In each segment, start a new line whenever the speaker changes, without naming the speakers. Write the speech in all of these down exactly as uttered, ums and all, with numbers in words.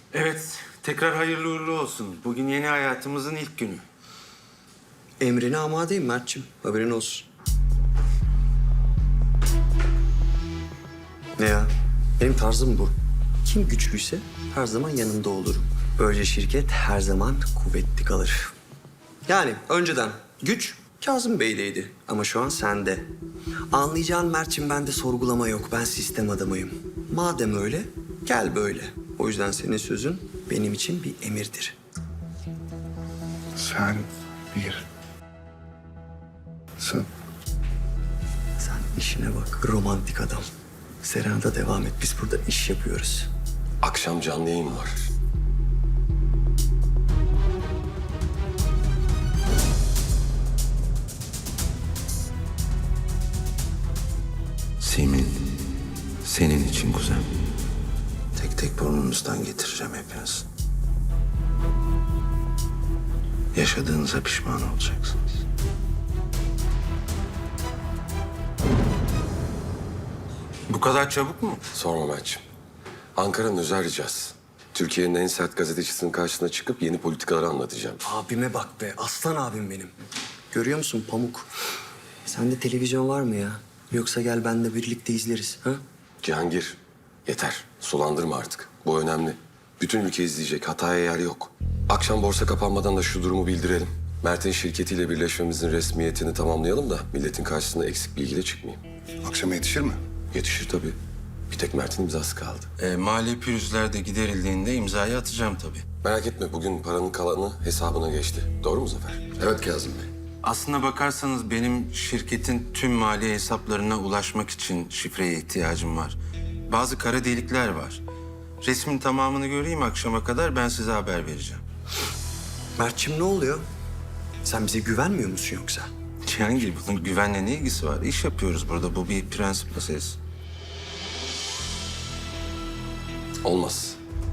Evet, tekrar hayırlı uğurlu olsun. Bugün yeni hayatımızın ilk günü.
Emrine amadeyim Mert'ciğim. Haberin olsun. Ne ya? Benim tarzım bu. Kim güçlüyse her zaman yanında olurum. Böylece şirket her zaman kuvvetli kalır. Yani önceden güç Kazım Bey'deydi ama şu an sende. Anlayacağın Mert'ciğim, bende sorgulama yok. Ben sistem adamıyım. Madem öyle, gel böyle. O yüzden senin sözün benim için bir emirdir.
Sen bir... Sen...
Sen işine bak, romantik adam. Serena'da devam et. Biz burada iş yapıyoruz.
Akşam canlı yayın var.
Simin, senin için kuzen.
Tek tek burnunuzdan getireceğim hepiniz. Yaşadığınıza pişman olacaksınız.
Bu kadar çabuk mu?
Sorma Mert'ciğim. Ankara'nın özel ricası. Türkiye'nin en sert gazetecisinin karşısına çıkıp yeni politikaları anlatacağım.
Abime bak be, aslan abim benim. Görüyor musun Pamuk? Sende televizyon var mı ya? Yoksa gel benle birlikte izleriz, ha?
Cihangir, yeter. Sulandırma artık. Bu önemli. Bütün ülke izleyecek. Hataya yer yok. Akşam borsa kapanmadan da şu durumu bildirelim. Mert'in şirketiyle birleşmemizin resmiyetini tamamlayalım da milletin karşısına eksik bilgiyle çıkmayayım.
Akşama yetişir mi?
Yetişir tabii. Bir tek Mert'in imzası kaldı.
E, mali pürüzler de giderildiğinde imzayı atacağım tabii.
Merak etme, bugün paranın kalanı hesabına geçti. Doğru mu Zafer?
Evet Kazım Bey.
Aslına bakarsanız benim şirketin tüm mali hesaplarına ulaşmak için şifreye ihtiyacım var. Bazı kara delikler var. Resmin tamamını göreyim akşama kadar, ben size haber vereceğim.
Mert'ciğim ne oluyor? Sen bize güvenmiyor musun yoksa?
Cihangir, bunun güvenle ne ilgisi var? İş yapıyoruz burada. Bu bir prensip meselesi.
Olmaz.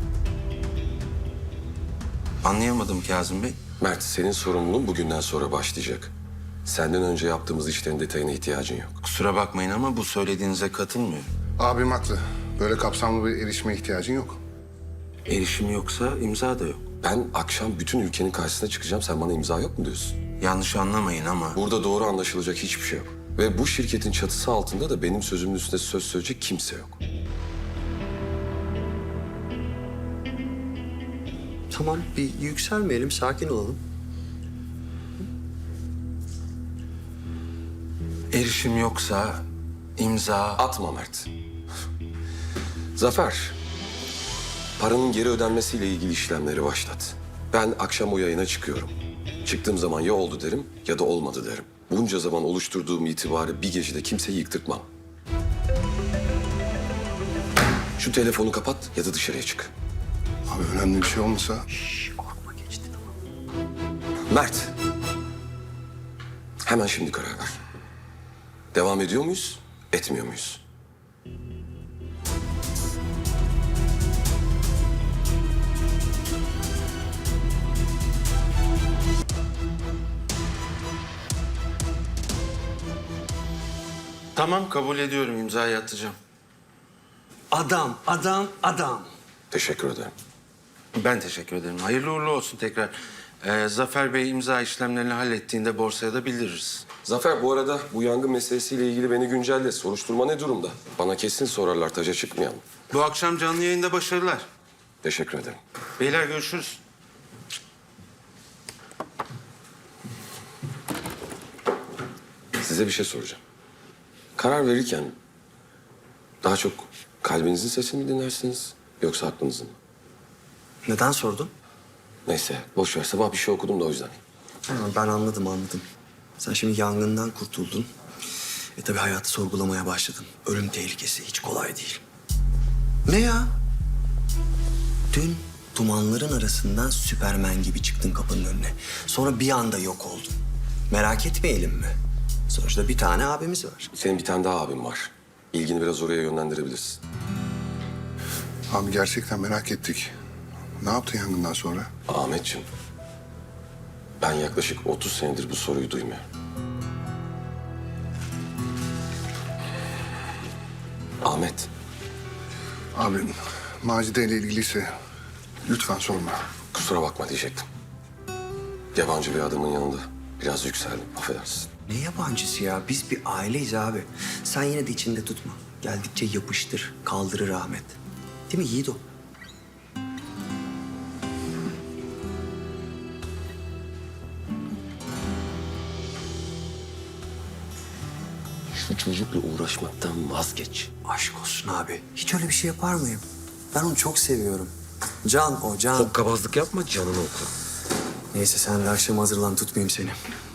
Anlayamadım Kazım Bey.
Mert, senin sorumluluğun bugünden sonra başlayacak. Senden önce yaptığımız işlerin detayına ihtiyacın yok.
Kusura bakmayın ama bu söylediğinize katılmıyorum.
Abim haklı. Böyle kapsamlı bir erişime ihtiyacın yok.
Erişim yoksa imza da yok.
Ben akşam bütün ülkenin karşısına çıkacağım. Sen bana imza yok mu diyorsun?
Yanlış anlamayın ama
Burada doğru anlaşılacak hiçbir şey yok. Ve bu şirketin çatısı altında da benim sözümün üstüne söz söyleyecek kimse yok.
Tamam, bir yükselmeyelim, sakin olalım.
erişim yoksa imza...
Atma Mert. Zafer, paranın geri ödenmesiyle ilgili işlemleri başlat. Ben akşam o yayına çıkıyorum. Çıktığım zaman ya oldu derim ya da olmadı derim. Bunca zaman oluşturduğum itibarı bir gecede kimseyi yıktırtmam. Şu telefonu kapat ya da dışarıya çık.
Abi önemli bir şey olmasa...
Korkma, geçti tamam.
Mert, hemen şimdi karar ver. Devam ediyor muyuz, etmiyor muyuz?
Tamam, kabul ediyorum. İmzayı atacağım.
Adam, adam, adam.
Teşekkür ederim.
Ben teşekkür ederim. Hayırlı uğurlu olsun tekrar. Ee, Zafer Bey imza işlemlerini hallettiğinde borsaya da bildiririz.
Zafer, bu arada bu yangın meselesiyle ilgili beni güncelle. Soruşturma ne durumda? Bana kesin sorarlar, taca çıkmayalım.
Bu akşam canlı yayında başarılar.
Teşekkür ederim.
Beyler görüşürüz.
Size bir şey soracağım. Karar verirken daha çok kalbinizin sesini mi dinlersiniz yoksa aklınızın mı?
Neden sordun?
Neyse, boş ver. Sabah bir şey okudum da o yüzden.
Ha, ben anladım, anladım. Sen şimdi yangından kurtuldun. E tabii hayatı sorgulamaya başladın. Ölüm tehlikesi hiç kolay değil. Ne ya? Dün dumanların arasından Süpermen gibi çıktın kapının önüne. Sonra bir anda yok oldun. Merak etmeyelim mi? Sonuçta bir tane abimiz var.
Senin bir tane daha abin var. İlgini biraz oraya yönlendirebilirsin.
Abi gerçekten merak ettik. Ne yaptın yangından sonra?
Ahmetciğim, ben yaklaşık otuz senedir bu soruyu duymuyorum. Ahmet,
Abi Macide ile ilgiliyse Lütfen sorma.
Kusura bakma diyecektim. Yabancı bir adamın yanında biraz yükseldim. Affedersin.
Ne yabancısı ya? Biz bir aileyiz abi. Sen yine de içinde tutma. Geldikçe yapıştır, kaldırır Ahmet. Değil mi Yiğido?
Şu çocukla uğraşmaktan vazgeç.
Aşk olsun abi. Hiç öyle bir şey yapar mıyım? Ben onu çok seviyorum. Can o, can.
Hokkabazlık yapma, canını oku.
Neyse sen de akşam hazırlan, tutmayayım seni.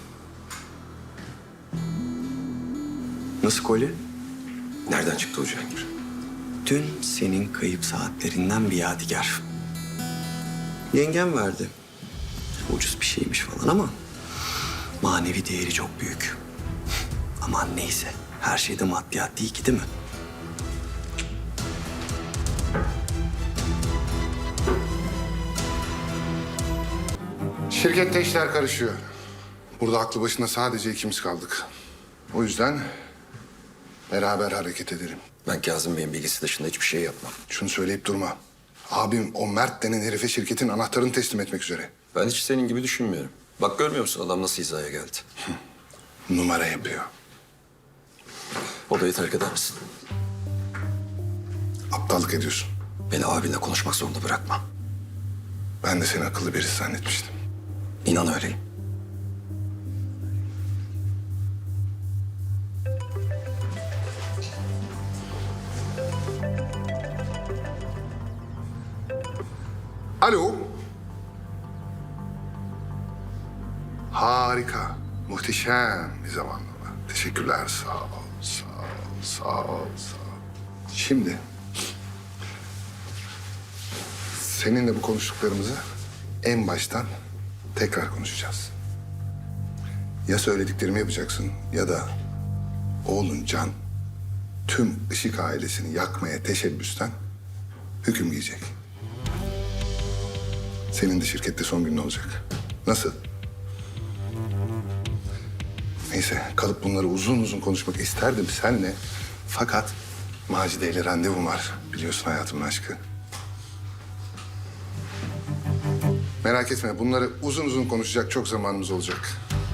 Nasıl kolye?
Nereden çıktı o Cihangir?
Dün senin kayıp saatlerinden bir yadigar. Yengem verdi. Ucuz bir şeymiş falan ama manevi değeri çok büyük. Aman neyse, her şeyde maddiyat değil ki, değil mi?
Şirkette işler karışıyor. Burada aklı başında sadece ikimiz kaldık. O yüzden beraber hareket edelim.
Ben Kazım Bey'in bilgisi dışında hiçbir şey yapmam.
Şunu söyleyip durma. Abim o Mert denen herife şirketin anahtarını teslim etmek üzere.
Ben hiç senin gibi düşünmüyorum. Bak görmüyor musun adam nasıl hizaya geldi?
Numara yapıyor.
Odayı terk eder misin?
Aptallık ediyorsun.
Beni abinle konuşmak zorunda bırakma.
Ben de seni akıllı birisi zannetmiştim.
İnan öyleyim.
Alo. Harika. Muhteşem bir zamanlama. Teşekkürler. Sağ ol, sağ ol, sağ ol, sağ ol. Şimdi... seninle bu konuştuklarımızı en baştan tekrar konuşacağız. Ya söylediklerimi yapacaksın ya da oğlun Can tüm Işık ailesini yakmaya teşebbüsten hüküm giyecek. Senin de şirkette son günün olacak. Nasıl? Neyse, kalıp bunları uzun uzun konuşmak isterdim seninle. Fakat Macide ile randevum var. Biliyorsun hayatımın aşkı. Merak etme, bunları uzun uzun konuşacak çok zamanımız olacak.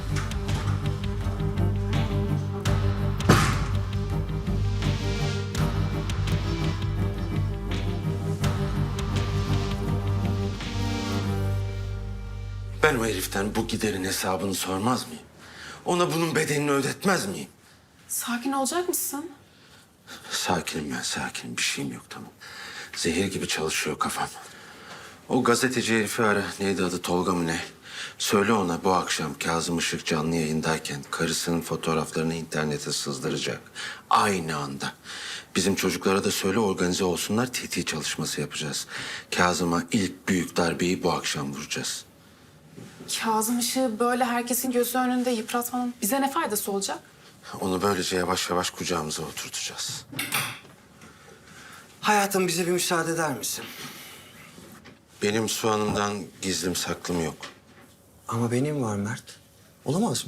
Ben o heriften bu giderin hesabını sormaz mıyım? Ona bunun bedelini ödetmez miyim?
Sakin olacak mısın?
Sakinim ben, sakinim. Bir şeyim yok, tamam. Zehir gibi çalışıyor kafam. O gazeteci herifi ara. Neydi adı, Tolga mı ne? Söyle ona bu akşam Kazım Işık canlı yayındayken karısının fotoğraflarını internete sızdıracak. Aynı anda. Bizim çocuklara da söyle organize olsunlar, T T çalışması yapacağız. Kazım'a ilk büyük darbeyi bu akşam vuracağız.
Kazım Işık'ı böyle herkesin gözü önünde yıpratmanın bize ne faydası olacak?
Onu böylece yavaş yavaş kucağımıza oturtacağız.
Hayatım, bize bir müsaade eder misin?
Benim Su Hanım'dan gizlim saklım yok.
Ama benim var Mert. Olamaz mı?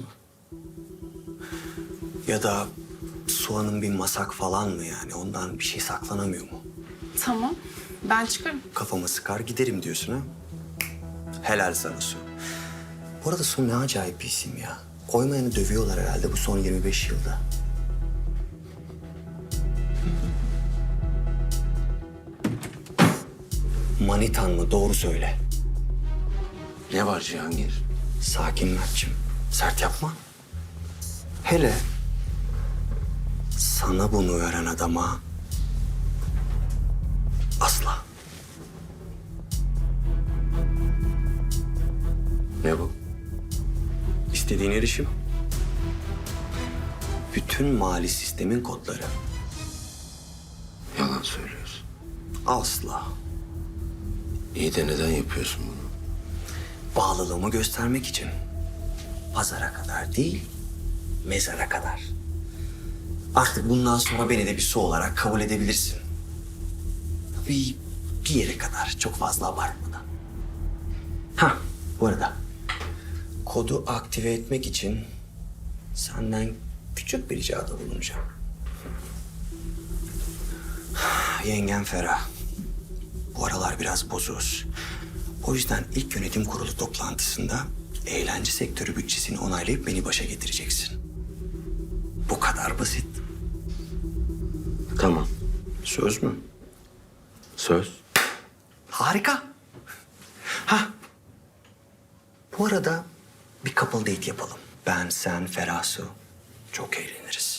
Ya da Suan'ın bir masak falan mı yani? Ondan bir şey saklanamıyor mu?
Tamam, ben çıkarım.
Kafamı sıkar giderim diyorsun ha? Helal sana Su. Bu arada Su ne acayip bir isim ya. Koymayanı dövüyorlar herhalde bu son yirmi beş yılda. Manitan mı? Doğru söyle.
Ne var Cihangir?
Sakin Mert'cim. Sert yapma. Hele sana bunu veren adama asla.
Ne bu?
İstediğin erişim. Bütün mali sistemin kodları.
Yalan söylüyorsun.
Asla.
İyi de neden yapıyorsun bunu?
Bağlılığımı göstermek için. Pazara kadar değil, mezara kadar. Artık bundan sonra beni de bir Su olarak kabul edebilirsin. Bir, bir yere kadar, çok fazla abartmadan. Ha, bu arada kodu aktive etmek için senden küçük bir ricada bulunacağım. Yengen Ferah. Bu aralar biraz bozuz. O yüzden ilk yönetim kurulu toplantısında eğlence sektörü bütçesini onaylayıp beni başa getireceksin. Bu kadar basit.
Tamam.
Söz mü?
Söz.
Harika. Ha. Bu arada bir couple date yapalım. Ben, sen, Ferah Su. Çok eğleniriz.